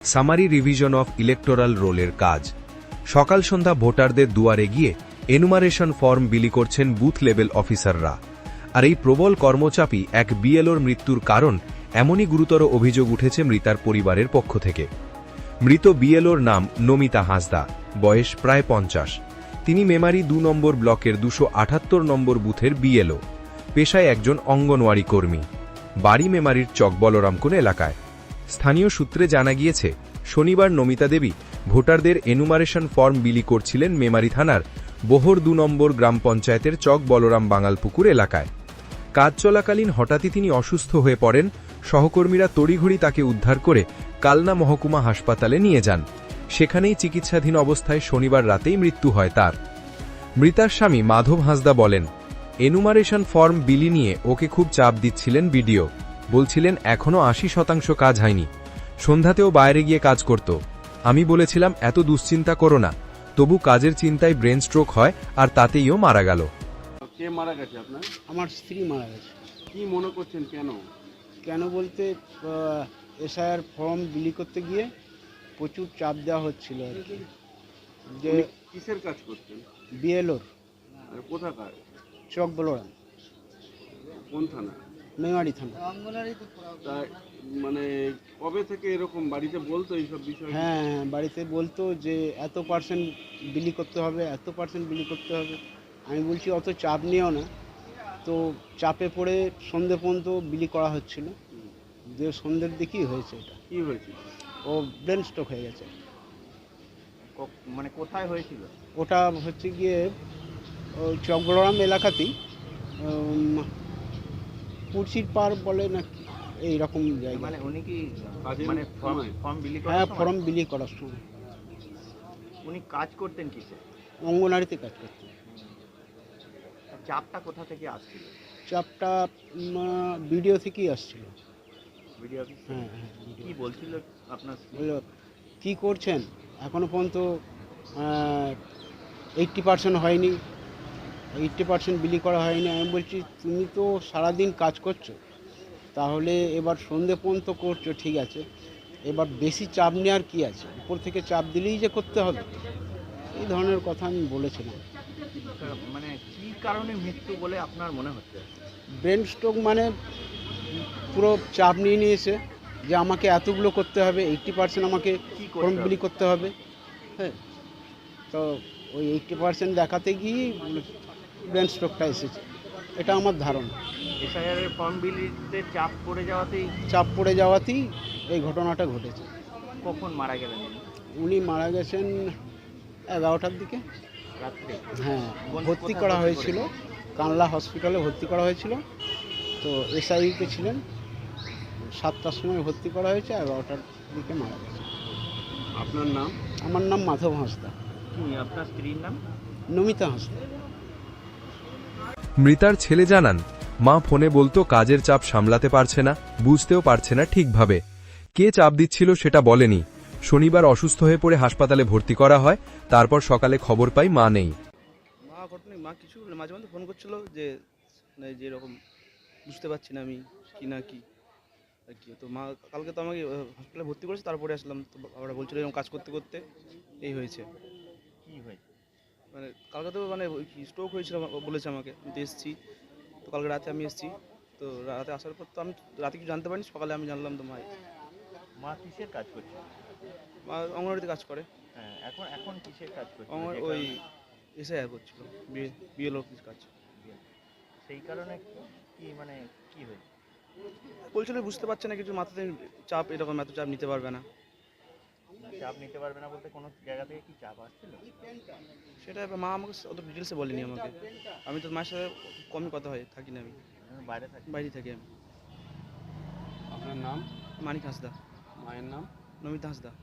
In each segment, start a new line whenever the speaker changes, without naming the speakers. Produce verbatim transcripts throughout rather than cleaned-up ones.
Summary revision of electoral রোলের কাজ। সকাল সন্ধ্যা ভোটারদের দুয়ারে গিয়ে এনুমারেশন ফর্ম বিলি করছেন বুথ লেভেল অফিসাররা। আর এই প্রবল কর্মচাপই এক বিএলওর মৃত্যুর কারণ এমনই গুরুতর অভিযোগ উঠেছে মৃতার পরিবারের পক্ষ থেকে। মৃত বিএলওর নাম নমিতা হাঁসদা, বয়স প্রায় পঞ্চাশ। তিনি মেমারি দু নম্বর ব্লকের দুশো আটাত্তর নম্বর বুথের বিএলও, পেশায় একজন অঙ্গনওয়াড়ি কর্মী। বাড়ি মেমারির চক বলরামকুন এলাকায়। স্থানীয় সূত্রে জানা গিয়েছে, শনিবার নমিতা দেবী ভোটারদের এনুমারেশন ফর্ম বিলি করছিলেন মেমারি থানার বোহর দু নম্বর গ্রাম পঞ্চায়েতের চক বলরাম বাঙালপুকুর এলাকায়। কাজ চলাকালীন হঠাৎই তিনি অসুস্থ হয়ে পড়েন। সহকর্মীরা তড়িঘড়ি তাকে উদ্ধার করে কালনা মহকুমা হাসপাতালে নিয়ে যান। সেখানেই চিকিৎসাধীন অবস্থায় শনিবার রাতেই মৃত্যু হয় তার। মৃতার স্বামী মাধব হাঁসদা বলেন, এনুমারেশন ফর্ম বিলি নিয়ে ওকে খুব চাপ দিচ্ছিলেন বিডিও। বলছিলেন এখনও আশি শতাংশ কাজ হয়নি, সন্ধ্যাতেও বাইরে গিয়ে কাজ করত। আমি বলেছিলাম এত দুশ্চিন্তা করো না, তবু কাজের চিন্তায় ব্রেন স্ট্রোক হয় আর তাতেইও মারা গেল।
কে মারা গেছে আপনার?
আমার স্ত্রী মারা গেছে।
কি মনে করছেন কেন?
কেন বলতে এসআইআর ফর্ম বিলি করতে গিয়ে প্রচুর চাপ দেওয়া হচ্ছিল আর কি। যে
কিসের কাজ করছেন?
বিএলওর।
কোথাকার?
চক বলরাম।
কোন থানা?
মেমারি থানা।
তাই মানে কবে থেকে এরকম বাড়িতে বলতো এইসব বিষয়?
হ্যাঁ হ্যাঁ, বাড়িতে বলতো যে এত পার্সেন্ট বিলি করতে হবে, এত পার্সেন্ট বিলি করতে হবে। আমি বলছি অত চাপ নিও না। তো চাপে পড়ে সন্ধ্যে পর্যন্ত বিলি করা হচ্ছিল। যে সন্ধ্যের দিকেই হয়েছে এটা।
কি হয়েছিল?
ও ব্রেন স্ট্রোক হয়ে গেছে।
মানে কোথায় হয়েছিল?
ওটা হচ্ছে গিয়ে ওই চক বলরাম এলাকাতেই, পুরসির পার বলে না কি এইরকম জায়গা।
মানে উনি কি মানে ফর্ম বিলি করার
হ্যাঁ,
সময়?
ফর্ম বিলি করার সময়।
উনি কাজ করতেন কিসে?
অঙ্গনারীতে কাজ করতেন।
চাপটা কোথা থেকে আসছিল?
চাপটা ভিডিও থেকেই আসছিল।
Video office?
হ্যাঁ হ্যাঁ।
কি বলছিল আপনার?
বললো কী করছেন, এখনও পর্যন্ত এইট্টি পার্সেন্ট হয়নি, এইট্টি পার্সেন্ট বিলি করা হয়নি। আমি বলছি তুমি তো সারাদিন কাজ করছো, তাহলে এবার সন্ধে পর্যন্ত করছো ঠিক আছে, এবার বেশি চাপ নেওয়ার কী আছে, উপর থেকে চাপ দিলেই যে করতে হবে, এই ধরনের কথা আমি বলেছিলাম।
মানে কী কারণে মৃত্যু বলে আপনার মনে হচ্ছে?
ব্রেন স্ট্রোক মানে পুরো চাপ নিয়ে নিয়েছে যে আমাকে এতগুলো করতে হবে, এইট্টি পার্সেন্ট আমাকে ফর্ম বিলি করতে হবে। হ্যাঁ, তো ওই এইট্টি পার্সেন্ট দেখাতে গিয়েই ব্রেন স্ট্রোকটা এসেছে, এটা আমার ধারণা।
এসআইআর এর ফর্ম বিলিতে চাপ পড়ে যাওয়াতেই
চাপ পড়ে যাওয়াতেই এই ঘটনাটা ঘটেছে।
কখন মারা গেলেন
উনি মারা গেছেন এগারোটার দিকে
রাত্রে?
হ্যাঁ, ভর্তি করা হয়েছিল কানলা হসপিটালে, ভর্তি করা হয়েছিল। তো এসআইইউতে ছিলেন, সাতটার সময় ভর্তি করা হয়েছে, এগারোটার দিকে মারা গেছে।
আপনার নাম?
আমার নাম মাধব হাঁসদা।
কি আপনার স্ত্রীর নাম?
নমিতা হাঁসদা।
মৃতার ছেলে জানান, মা ফোনে বলতো কাজের চাপ সামলাতে পারছে না, বুঝতেও পারছে না ঠিকভাবে। কে চাপ দিচ্ছিল সেটা বলেনি। শনিবার অসুস্থ হয়ে পড়ে হাসপাতালে ভর্তি করা হয়। তারপর সকালে খবর পাই মা নেই।
মা ঘটনা মা কিছু মাঝে মাঝে ফোন করছিল যে যে এরকম বুঝতে পারছি না আমি কি না কি আর কি। তো মা কালকে তো আমাকে হসপিটালে ভর্তি করেছে, তারপরে আসলাম। তো বাবারা বলছিল এরকম কাজ করতে করতে এই হয়েছে।
কি হয়েছে?
মানে কালকে তো মানে স্ট্রোক হয়েছিল বলেছে আমাকে। আমি তো এসেছি, তো কালকে রাতে আমি এসেছি। তো রাতে আসার পর তো আমি রাতে কিছু জানতে পারিনি, সকালে আমি জানলাম। তো মা
মা কিসের কাজ করছে?
মা অঙ্গনওয়াড়িতে কাজ করে।
হ্যাঁ, এখন এখন কিসের কাজ করছে?
ওই এসআইআর করছিল, বিএলও কাজ।
সেই কারণে কি মানে কি হয়েছে?
বলছিল বুঝতে পারছে না কিছু, মাথাতে চাপ, এরকম এত চাপ নিতে পারবে না।
চাপ নিতে পারবে না বলতে কোনো জায়গা থেকে কি চাপ আসছিল?
সেটা মা আমাকে অত ডিটেলসে বলেনি আমাকে। আমি তো মায়ের সাথে কমই কথা হয়, থাকি না, আমি
বাইরে থাকি।
বাইরে থাকি আমি।
আপনার নাম?
মানিক হাঁসদা।
মায়ের নাম?
নমিতা হাঁসদা।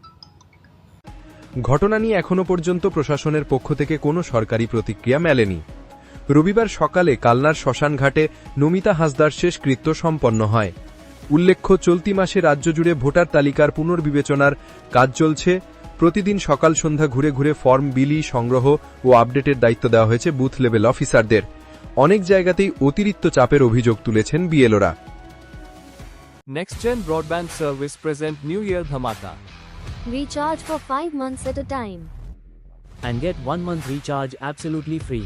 ঘটনা নিয়ে এখনো পর্যন্ত প্রশাসনের পক্ষ থেকে কোনো সরকারি প্রতিক্রিয়া মেলেনি। রবিবার সকালে কালনার শ্মশানঘাটে নমিতা হাঁসদার শেষকৃত্য সম্পন্ন হয়। উল্লেখ্য, চলতি মাসে রাজ্য জুড়ে ভোটার তালিকার পুনর্বিবেচনার কাজ চলছে। প্রতিদিন সকাল সন্ধ্যা ঘুরে ঘুরে ফর্ম বিলি, সংগ্রহ ও আপডেটের দায়িত্ব দেওয়া হয়েছে বুথ লেভেল অফিসারদের। অনেক জায়গাতেই অতিরিক্ত চাপের অভিযোগ তুলেছেন বিএলওরা।
NextGen Broadband Service present New Year Dhamaka.
Recharge for five months at a time.
and get one month recharge absolutely free.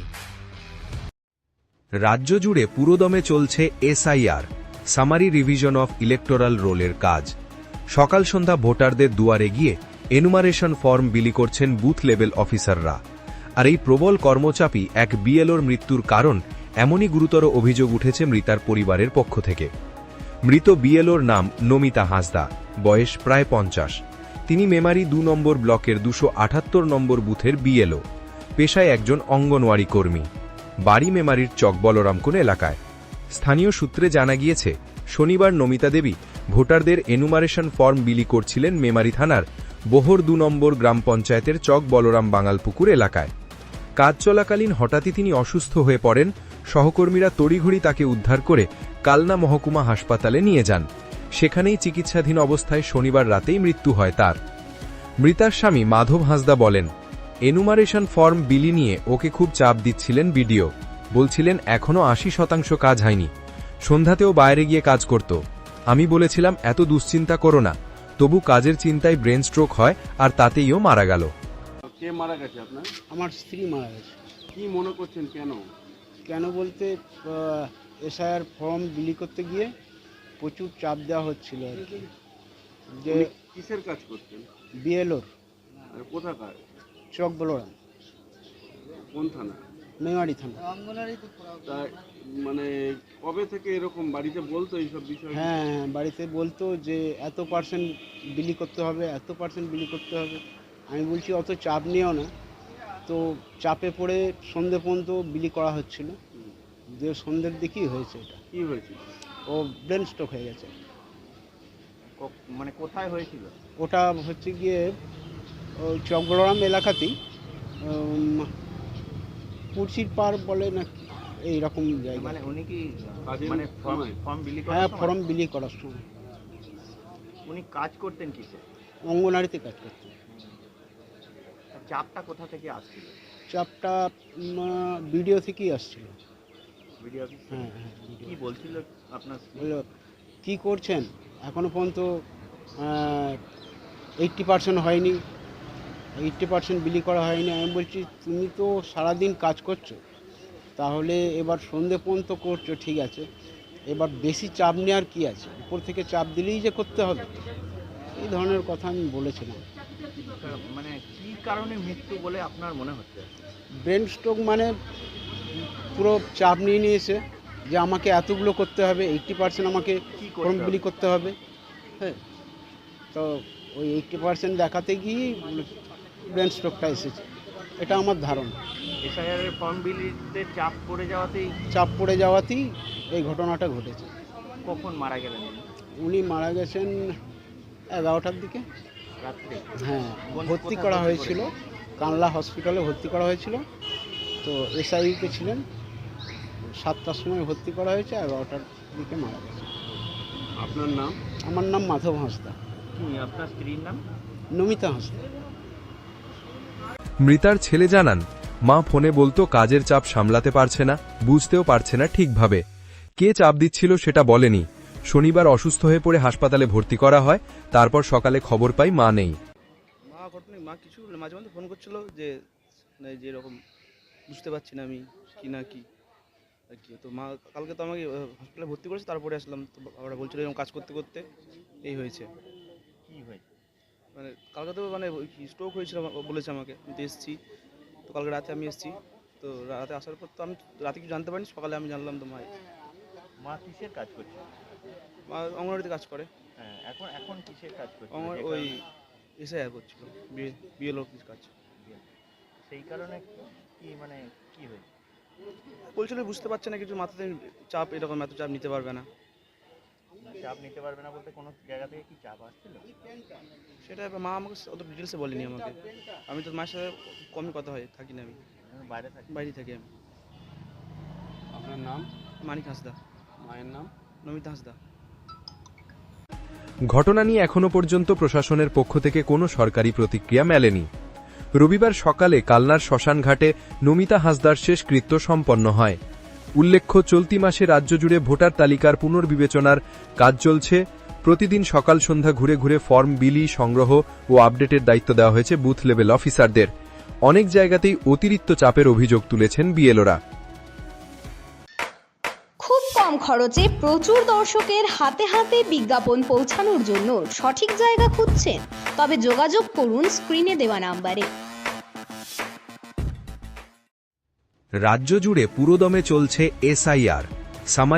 রাজ্য জুড়ে পুরোদমে চলছে SIR summary revision of electoral রোলের কাজ। সকাল সন্ধ্যা ভোটারদের দুয়ারে গিয়ে এনুমারেশন ফর্ম বিলি করছেন বুথ লেভেল অফিসাররা। আর এই প্রবল কর্মচাপই এক বিএলওর মৃত্যুর কারণ এমনই গুরুতর অভিযোগ উঠেছে মৃতার পরিবারের পক্ষ থেকে। মৃত বিএলওর নাম নমিতা হাঁসদা, বয়স প্রায় পঞ্চাশ। তিনি মেমারি দু নম্বর ব্লকের দুশো আটাত্তর নম্বর বুথের বিএলও, পেশায় একজন অঙ্গনওয়াড়ি কর্মী। বাড়ি মেমারির চক বলরামকুন এলাকায়। স্থানীয় সূত্রে জানা গিয়েছে, শনিবার নমিতা দেবী ভোটারদের এনুমারেশন ফর্ম বিলি করছিলেন মেমারি থানার বোহর দু নম্বর গ্রাম পঞ্চায়েতের চক বলরাম বাঙালপুকুর এলাকায়। কাজ চলাকালীন হঠাৎই তিনি অসুস্থ হয়ে পড়েন। সহকর্মীরা তড়িঘড়ি তাকে উদ্ধার করে কালনা মহকুমা হাসপাতালে নিয়ে যান। সেখানেই চিকিৎসাধীন অবস্থায় শনিবার রাতেই মৃত্যু হয় তার। মৃতার স্বামী মাধব হাঁসদা বলেন, এনুমারেশন ফর্ম বিলি নিয়ে ওকে খুব চাপ দিচ্ছিলেন বিডিও। বলছিলেন এখনও আশি শতাংশ কাজ হয়নি, সন্ধ্যাতেও বাইরে গিয়ে কাজ করত। আমি বলেছিলাম এত দুশ্চিন্তা করো না, তবু কাজের চিন্তায় ব্রেন স্ট্রোক হয় আর তাতেইও মারা গেল।
কে মারা গেছে আপনার?
আমার স্ত্রী মারা গেছে।
কি মনে করছেন কেন?
কেন বলতে এসআইআর ফর্ম বিলি করতে গিয়ে প্রচুর চাপ দেওয়া হচ্ছিল আর কি। যে
উনি কিসের কাজ করতেন?
বিএলওর
আর কোথাকার?
চক বলরাম,
কোন থানা?
মেমারি থানা।
তা মানে কবে থেকে এরকম বাড়িতে বলতো এইসব বিষয়?
হ্যাঁ হ্যাঁ, বাড়িতে বলতো যে এত পার্সেন্ট বিলি করতে হবে, এত পার্সেন্ট বিলি করতে হবে। আমি বলছি অত চাপ নিও না। তো চাপে পড়ে সন্ধ্যে পর্যন্ত বিলি করা হচ্ছিল। যে সন্ধ্যের দিকেই হয়েছে এটা।
কি হয়েছিল?
ও ব্রেন স্ট্রোক হয়ে গেছে।
ক- মানে কোথায় হয়েছিল?
ওটা হচ্ছে গিয়ে ওই চকবড়াম এলাকাতেই, উম, পুরসির পার বলে না এইরকম জায়গা।
মানে উনি কি
কাজের
মানে ফর্ম
সময়?
ফর্ম বিলি
হ্যাঁ,
করার
ফর্ম
সময়
বিলি করার সময়
উনি কাজ করতেন কিসে?
অঙ্গনারীতে কাজ করতে।
চাপটা কোথা থেকে আসছিল?
চাপটা ভিডিও থেকেই আসছিল।
ভিডিও অফিস থেকে?
হ্যাঁ হ্যাঁ,
কি
video।
বলছিল আপনার স্ত্রী?
বললো কী করছেন, এখনও পর্যন্ত এইট্টি পার্সেন্ট হয়নি, এইট্টি পার্সেন্ট বিলি করা হয়নি। আমি বলছি তুমি তো সারাদিন কাজ করছো, তাহলে এবার সন্ধে পর্যন্ত করছো ঠিক আছে, এবার বেশি চাপ নেওয়ার কী আছে, উপর থেকে চাপ দিলেই যে করতে হবে, এই ধরনের কথা আমি বলেছিলাম।
মানে কি কারণে মৃত্যু বলে আপনার মনে হচ্ছে?
ব্রেন স্ট্রোক মানে পুরো চাপ নিয়ে নিয়েছে যে আমাকে এতগুলো করতে হবে, এইট্টি পার্সেন্ট আমাকে
কি
ফর্ম
করতে
বিলি
হবে?
করতে হবে। হ্যাঁ, তো ওই এইট্টি পার্সেন্ট দেখাতে গিয়েই ব্রেন স্ট্রোকটা এসেছে, এটা আমার ধারণা।
এসআইআর এর ফর্ম বিলিতে চাপ পড়ে যাওয়াতেই
চাপ পড়ে যাওয়াতেই এই ঘটনাটা ঘটেছে।
কখন মারা গেলেন উনি?
উনি মারা গেছেন এগারোটার দিকে।
রাত্রে?
হ্যাঁ,
কোন-
ভর্তি
কোথায়
করা
ভর্তি
হয়েছিল, কানলা হসপিটালে ভর্তি করা হয়েছিল। তো এসআইতে ছিলেন, সাতটার সময় ভর্তি করা হয়েছে, এগারোটার দিকে মারা গেছে।
আপনার নাম?
আমার নাম মাধব হাঁসদা।
কি আপনার স্ত্রীর নাম?
নমিতা হাঁসদা।
মৃতার ছেলে জানান, মা ফোনে বলতো কাজের চাপ সামলাতে পারছে না, বুঝতেও পারছে না ঠিকভাবে। কে চাপ দিচ্ছিল সেটা বলেনি। শনিবার অসুস্থ হয়ে পড়ে হাসপাতালে ভর্তি করা হয়। তারপর সকালে খবর পাই মা নেই।
মা ঘটনা মা কিছু মাঝে মাঝে ফোন করছিল যে মানে যে এরকম বুঝতে পারছি না আমি কি না কি আর কি। তো মা কালকে তো আমাকে হসপিটালে ভর্তি করেছে, তারপরে আসলাম। তো বাবারা বলছিল এরকম কাজ করতে করতে এই হয়েছে।
কি হয়েছে?
মানে কালকে তো মানে স্ট্রোক হয়েছিল বলেছে আমাকে। আমি তো এসেছি, তো কালকে রাতে আমি এসেছি। তো রাতে আসার পর তো আমি রাতে কিছু জানতে পারিনি, সকালে আমি জানলাম তো মা
মা কিসের কাজ করছে?
মা অঙ্গনওয়াড়িতে কাজ করে।
হ্যাঁ, এখন এখন কিসের কাজ করছে?
আমার
যে
ওই
কারণে-
এসআইআর করছিল, বিএলও কিছু কাজ।
সেই কারণে কি মানে কি হয়েছে?
বলছিল বুঝতে পারছে না কিছু, মাথাতে চাপ, এরকম এত চাপ নিতে পারবে না।
চাপ নিতে পারবে না বলতে কোনো জায়গা থেকে কি চাপ আসছিল?
সেটা এবার মা আমাকে অত ডিটেলসে বলেনি আমাকে। আমি তো মায়ের সাথে কমই কথা হয়, থাকি না আমি,
আমি বাইরে থাকি।
বাইরে থাকি আমি।
আপনার নাম?
মানিক হাঁসদা।
মায়ের নাম?
নমিতা হাঁসদা।
ঘটনা নিয়ে এখনো পর্যন্ত প্রশাসনের পক্ষ থেকে কোনো সরকারি প্রতিক্রিয়া মেলেনি। রবিবার সকালে কালনার শ্মশানঘাটে নমিতা হাঁসদার শেষকৃত্য সম্পন্ন হয়। উল্লেখ্য, চলতি মাসে রাজ্য জুড়ে ভোটার তালিকার পুনর্বিবেচনার কাজ চলছে। প্রতিদিন সকাল সন্ধ্যা ঘুরে ঘুরে ফর্ম বিলি সংগ্রহ ও আপডেটের দায়িত্ব দেওয়া হয়েছে বুথ লেভেল অফিসারদের। অনেক জায়গাতেই অতিরিক্ত চাপের অভিযোগ তুলেছেন বিএলওরা।
খুব কম খরচে প্রচুর দর্শকের হাতে হাতে বিজ্ঞাপন পৌঁছানোর জন্য সঠিক জায়গা খুঁজছেন? তবে যোগাযোগ করুন স্ক্রিনে দেওয়া নাম্বারে।
রাজ্য জুড়ে পুরোদমে চলছে এসআইআর।